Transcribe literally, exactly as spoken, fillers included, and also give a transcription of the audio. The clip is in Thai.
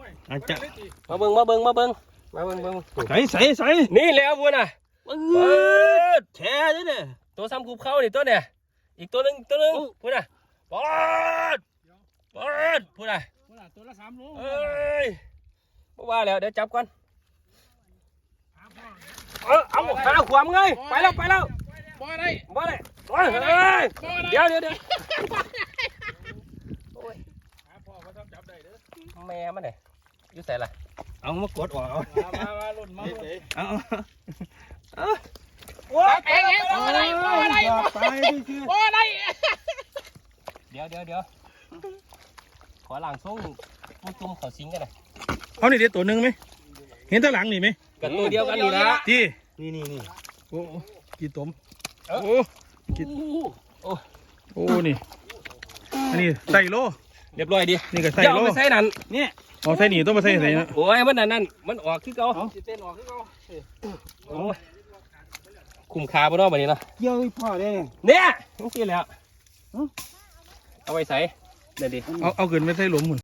อาจจะมาเบิ้งมาเบิ้งมาเบิ้งมาเบิ้งเบิ้งใส่ใส่ใส่นี่แล้วบัวน่ะเปิดแช่ด้วยเนี่ยตัวซ้ำคูบเข้านี่ตัวเนี่ยอีกตัวหนึงตัวหนึงพูดน่ะปอดปอดพูดน่ะตัวละสามโลเอ้ยบ่ว่าแล้วเดี๋ยวจับก่อนเออเอาหาขวามไงไปแล้วไปแล้วบ่ได้บ่ได้โอ้ยเฮ้ยเดี๋ยวเดี๋ยวเดี๋ยวพ่อเขาทำจับได้เด้อแม่มันเนี่ยอยู่ใส่ละเอามากดออกเอามามาลุ่นมาลุ่นเอาเอาว้าเองเองบ่ได้บ่ได้ไปดิคือบ่ได้เดี๋ยวเดี๋ยวเดี๋ยวขอหลังส่งผู้จุ่มเขาซิงกันหน่อยเขานี่เดี๋ยวตัวหนึ่งไหมเห็นตัวหลังนี่ไหมกันตัวเดียวกันนี่ละจีนี่นี่นี่โอ้กี่ตมโอ้โอ้กี่โอ้นี่อันนี้ใส่โลเรียบร้อยดินี่ก็ใส่เดี๋ยวโลเอาไปใส่นั่นเนี่ยเอาใส่หนีต้องมาใส่ใส่นะโอ้ยมันนั่นนั่นมันออกที่เก่าสิเต้นออกคือเขาโอ้ยคุ้มค่าบ่เนาะบัดนี้เนาะเกี่ยวพ่อได้เนี่ยนี่สิแล้วเอาไว้ใส่เดี๋ยวดิเอาเอาเกินไม่ใส่หลุมหมุน